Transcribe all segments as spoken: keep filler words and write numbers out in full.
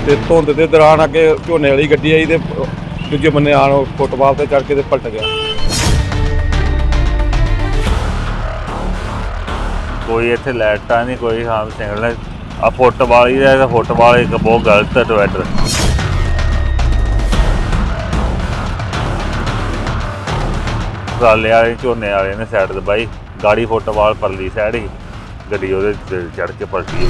ਤੇ ਧੁੰਦ ਦੇ ਦੌਰਾਨ ਅੱਗੇ ਝੋਨੇ ਵਾਲੀ ਗੱਡੀ ਆਈ ਤੇ ਦੂਜੇ ਬੰਨੇ ਆਣ ਫੁੱਟਬਾਲ ਤੇ ਚੜ ਕੇ ਤੇ ਪਲਟ ਗਿਆ। ਕੋਈ ਇੱਥੇ ਲਾਈਟਾਂ ਨਹੀਂ, ਕੋਈ ਹਾਂ ਸਿਗਨਲ ਆ ਫੁੱਟਬਾਲ ਹੀ ਹੈ। ਫੁੱਟਬਾਲ ਇੱਕ ਬਹੁਤ ਗਲਤ ਡਿਵਾਈਡਰ। ਟਰਾਲੇ ਵਾਲੇ ਝੋਨੇ ਵਾਲੇ ਨੇ ਸਾਈਡ ਦਬਾਈ, ਗਾੜੀ ਫੁੱਟਬਾਲ ਪਰਲੀ ਸਾਈਡ ਹੀ ਗੱਡੀ ਉਹਦੇ ਚੜ ਕੇ ਪਲਟੀ।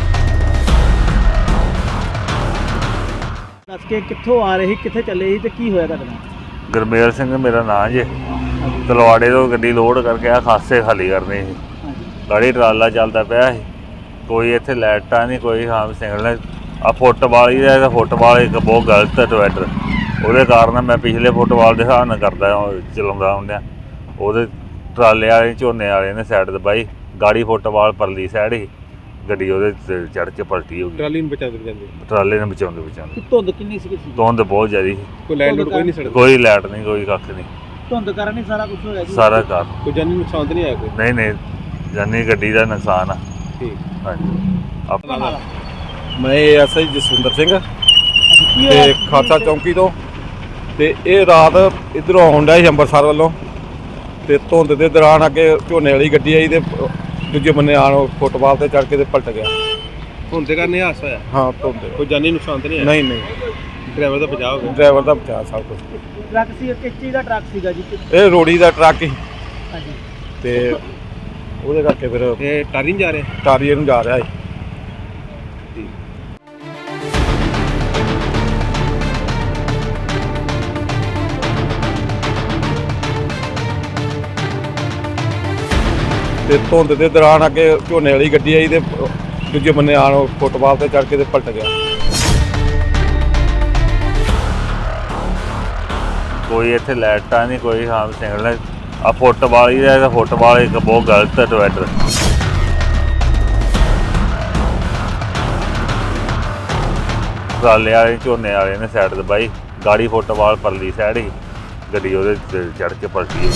ਦੱਸ ਕੇ ਕਿੱਥੋਂ ਆ ਰਹੀ, ਕਿੱਥੇ ਚੱਲੇ ਸੀ ਤੇ ਕੀ ਹੋਇਆ ਤੁਹਾਡੇ ਨਾਲ? ਗੁਰਮੇਲ ਸਿੰਘ ਮੇਰਾ ਨਾਂ ਜੇ। ਤਲਵਾੜੇ ਤੋਂ ਗੱਡੀ ਲੋਡ ਕਰਕੇ ਆ ਖਾਸੇ ਖਾਲੀ ਕਰਨੀ ਸੀ। ਗਾੜੀ ਟਰਾਲਾ ਚੱਲਦਾ ਪਿਆ ਸੀ, ਕੋਈ ਇੱਥੇ ਲਾਈਟਾਂ ਨਹੀਂ, ਕੋਈ ਹਾਂ ਸਿਗਨਲ ਆ ਫੁੱਟਬਾਲ ਹੀ ਹੈ। ਫੁੱਟਬਾਲ ਇੱਕ ਬਹੁਤ ਗਲਤ ਡਿਵਾਈਡਰ, ਉਹਦੇ ਕਾਰਨ ਮੈਂ ਪਿਛਲੇ ਫੁੱਟਬਾਲ ਦੇ ਹਿਸਾਬ ਨਾਲ ਕਰਦਾ ਚਲਾਉਂਦਾ ਹੁੰਦਿਆਂ ਉਹਦੇ ਟਰਾਲੇ ਵਾਲੇ ਝੋਨੇ ਵਾਲੇ ਨੇ ਸਾਈਡ ਦਬਾਈ, ਗਾੜੀ ਫੁੱਟਬਾਲ ਪਰਲੀ ਸਾਈਡ ਹੀ ਗੱਡੀ ਉਹਦੇ ਚੜ ਕੇ ਪਲਟੀ ਹੋ ਗਈ। ਟਰਾਲੀ ਨੂੰ ਬਚਾਉਂਦੇ ਬਚਾਉਂਦੇ ਟਰਾਲੇ ਨੂੰ ਬਚਾਉਂਦੇ ਬਚਾਉਂਦੇ ਧੁੰਦ ਕਿੰਨੀ ਸੀ? ਧੁੰਦ ਬਹੁਤ ਜ਼ਿਆਦਾ ਸੀ। ਕੋਈ ਲਾਈਟ ਲੋਡ ਕੋਈ ਨਹੀਂ ਸੜਦਾ, ਕੋਈ ਲਾਈਟ ਨਹੀਂ, ਕੋਈ ਕੱਖ ਨਹੀਂ। ਧੁੰਦ ਕਾਰਨ ਹੀ ਸਾਰਾ ਕੁਝ ਹੋਇਆ ਜੀ? ਸਾਰਾ ਘਰ ਕੋਈ ਜਾਨੀ ਨੁਕਸਾਨ ਤਾਂ ਨਹੀਂ ਆਇਆ ਕੋਈ? ਨਹੀਂ ਨਹੀਂ, ਜਾਨੀ ਗੱਡੀ ਦਾ ਨੁਕਸਾਨ ਆ। ਠੀਕ ਹਾਂਜੀ। ਆਪਣਾ ਮੈਂ ਐਸਆਈ ਜਸਵਿੰਦਰ ਸਿੰਘ ਕੀ ਤੇ ਹੋਇਆ? ਖਾਲਸਾ ਚੌਂਕੀ ਤੋਂ। ਤੇ ਇਹ ਰਾਤ ਇੱਧਰੋਂ ਆਉਣ ਡਿਆ ਸੀ ਅੰਮ੍ਰਿਤਸਰ ਵੱਲੋਂ, ਤੇ ਧੁੰਦ ਦੇ ਦੌਰਾਨ ਅੱਗੇ ਝੋਨੇ ਵਾਲੀ ਗੱਡੀ ਆਈ ਤੇ ਦੂਜੇ ਬੰਨੇ ਆਣ ਫੁੱਟਬਾਲ ਤੇ ਚੜ ਕੇ ਤੇ ਪਲਟ ਗਿਆ। ਧੁੰਦ ਦੇ ਕਾਰਨ ਇਹ ਹਾਦਸਾ ਹੋਇਆ? ਹਾਂ ਧੁੰਦ ਦੇ। ਕੋਈ ਜਾਨੀ ਨੁਕਸਾਨ ਤਾਂ ਨਹੀਂ ਆਇਆ? ਨਹੀਂ ਨਹੀਂ, ਡਰਾਈਵਰ ਦਾ ਬਚਾਅ ਹੋ ਗਿਆ? ਡਰਾਈਵਰ ਦਾ ਬਚਾ ਸਭ ਕੁਝ। ਟਰੱਕ ਸੀ, ਕਿਸ ਚੀਜ਼ ਦਾ ਟਰੱਕ ਸੀਗਾ ਜੀ? ਇਹ ਰੋੜੀ ਦਾ ਟਰੱਕ ਸੀ ਹਾਂਜੀ। ਤੇ ਉਹਦੇ ਕਰਕੇ ਫਿਰ ਇਹ ਟਾਰੀ ਨਹੀਂ ਜਾ ਰਹੇ? ਟਾਰੀਏ ਨੂੰ ਜਾ ਰਿਹਾ ਸੀ। ਤੇ ਧੁੰਦ ਦੇ ਦੌਰਾਨ ਅੱਗੇ ਝੋਨੇ ਵਾਲੀ ਗੱਡੀ ਆਈ ਤੇ ਦੂਜੇ ਬੰਨੇ ਆਣ ਫੁੱਟਬਾਲ ਤੇ ਚੜ ਕੇ ਤੇ ਪਲਟ ਗਿਆ। ਕੋਈ ਇੱਥੇ ਲਾਈਟਾਂ ਨਹੀਂ, ਕੋਈ ਹਾਂ ਸਿਗਨਲ ਆ ਫੁੱਟਬਾਲ ਹੀ ਹੈ। ਫੁੱਟਬਾਲ ਇੱਕ ਬਹੁਤ ਗਲਤ ਡਿਵਾਈਡਰ। ਟਰਾਲੇ ਵਾਲੇ ਝੋਨੇ ਵਾਲੇ ਨੇ ਸਾਈਡ ਦਬਾਈ, ਗਾੜੀ ਫੁੱਟਬਾਲ ਪਰਲੀ ਸਾਈਡ ਹੀ ਗੱਡੀ ਉਹਦੇ ਚੜ ਕੇ ਪਲਟੀ।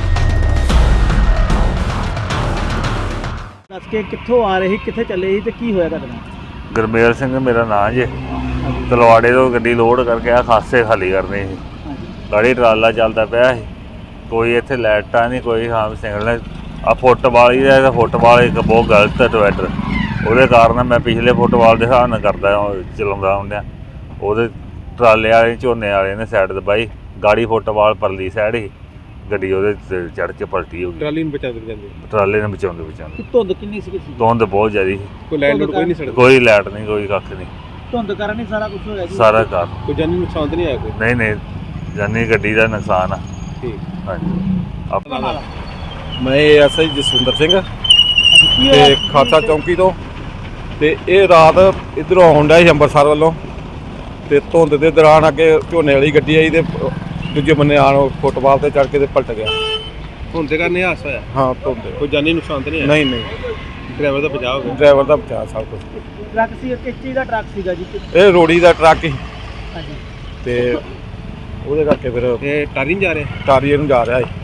ਦੱਸ ਕੇ ਕਿੱਥੋਂ ਆ ਰਹੀ, ਕਿੱਥੇ ਚੱਲੇ ਸੀ ਤੇ ਕੀ ਹੋਇਆ ਤੁਹਾਡੇ ਨਾਲ? ਗੁਰਮੇਲ ਸਿੰਘ ਮੇਰਾ ਨਾਂ ਜੇ। ਤਲਵਾੜੇ ਤੋਂ ਗੱਡੀ ਲੋਡ ਕਰਕੇ ਆ ਖਾਸੇ ਖਾਲੀ ਕਰਨੀ ਸੀ। ਗਾੜੀ ਟਰਾਲਾ ਚੱਲਦਾ ਪਿਆ ਸੀ, ਕੋਈ ਇੱਥੇ ਲਾਈਟਾਂ ਨਹੀਂ, ਕੋਈ ਹਾਂ ਸਿਗਨਲ ਆ ਫੁੱਟਬਾਲ ਹੀ ਹੈ। ਫੁੱਟਬਾਲ ਇੱਕ ਬਹੁਤ ਗਲਤ ਡਿਵਾਈਡਰ, ਉਹਦੇ ਕਾਰਨ ਮੈਂ ਪਿਛਲੇ ਫੁੱਟਬਾਲ ਦੇ ਹਿਸਾਬ ਨਾਲ ਕਰਦਾ ਚਲਾਉਂਦਾ ਹੁੰਦਿਆਂ ਉਹਦੇ ਟਰਾਲੇ ਵਾਲੇ ਝੋਨੇ ਵਾਲੇ ਨੇ ਸਾਈਡ ਦਬਾਈ, ਗਾੜੀ ਫੁੱਟਬਾਲ ਪਰਲੀ ਸਾਈਡ ਹੀ ਗੱਡੀ ਉਹਦੇ ਚੜ ਕੇ ਪਲਟੀ ਹੋ ਗਈ। ਟਰਾਲੀ ਨੂੰ ਬਚਾਉਂਦੇ ਬਚਾਉਂਦੇ? ਟਰਾਲੇ ਨੂੰ ਬਚਾਉਂਦੇ ਬਚਾਉਂਦੇ। ਧੁੰਦ ਕਿੰਨੀ ਸੀ? ਧੁੰਦ ਬਹੁਤ ਜ਼ਿਆਦਾ ਸੀ। ਕੋਈ ਲਾਈਟ ਲੋਡ ਕੋਈ ਨਹੀਂ ਸੜਦਾ? ਕੋਈ ਲਾਈਟ ਨਹੀਂ, ਕੋਈ ਕੱਖ ਨਹੀਂ। ਧੁੰਦ ਕਾਰਨ ਹੀ ਸਾਰਾ ਕੁਝ ਹੋਇਆ ਜੀ? ਸਾਰਾ ਘਰ ਕੋਈ ਜਾਨੀ ਨੁਕਸਾਨ ਤਾਂ ਨਹੀਂ ਆਇਆ ਕੋਈ? ਨਹੀਂ ਨਹੀਂ, ਜਾਨੀ ਗੱਡੀ ਦਾ ਨੁਕਸਾਨ ਆ। ਠੀਕ। ਹਾਂਜੀ। ਆਪਣਾ ਮੈਂ ਐਸਆਈ ਜਸਵਿੰਦਰ ਸਿੰਘ ਕੀ ਤੇ ਹੋਇਆ? ਖਾਲਸਾ ਚੌਂਕੀ ਤੋਂ। ਤੇ ਇਹ ਰਾਤ ਇੱਧਰੋਂ ਆਉਣ ਡਿਆ ਸੀ ਅੰਮ੍ਰਿਤਸਰ ਵੱਲੋਂ, ਤੇ ਧੁੰਦ ਦੇ ਦੌਰਾਨ ਅੱਗੇ ਝੋਨੇ ਵਾਲੀ ਗੱਡੀ ਆਈ ਤੇ ਦੂਜੇ ਬੰਨੇ ਆਣ ਫੁੱਟਬਾਲ ਤੇ ਚੜ ਕੇ ਤੇ ਪਲਟ ਗਿਆ। ਧੁੰਦ ਦੇ ਕਾਰਨ ਇਹ ਹਾਦਸਾ ਹੋਇਆ? ਹਾਂ ਧੁੰਦ ਦੇ। ਕੋਈ ਜਾਨੀ ਨੁਕਸਾਨ ਤਾਂ ਨਹੀਂ ਆਇਆ? ਨਹੀਂ ਨਹੀਂ, ਡਰਾਈਵਰ ਦਾ ਬਚਾਅ ਹੋ ਗਿਆ? ਡਰਾਈਵਰ ਦਾ ਬਚਾ ਸਭ ਕੁਝ। ਟਰੱਕ ਸੀ, ਕਿਸ ਚੀਜ਼ ਦਾ ਟਰੱਕ ਸੀਗਾ ਜੀ? ਇਹ ਰੋੜੀ ਦਾ ਟਰੱਕ ਸੀ ਹਾਂਜੀ। ਤੇ ਉਹਦੇ ਕਰਕੇ ਫਿਰ ਇਹ ਟਾਰੀ ਨਹੀਂ ਜਾ ਰਹੇ? ਟਾਰੀਏ ਨੂੰ ਜਾ ਰਿਹਾ ਸੀ।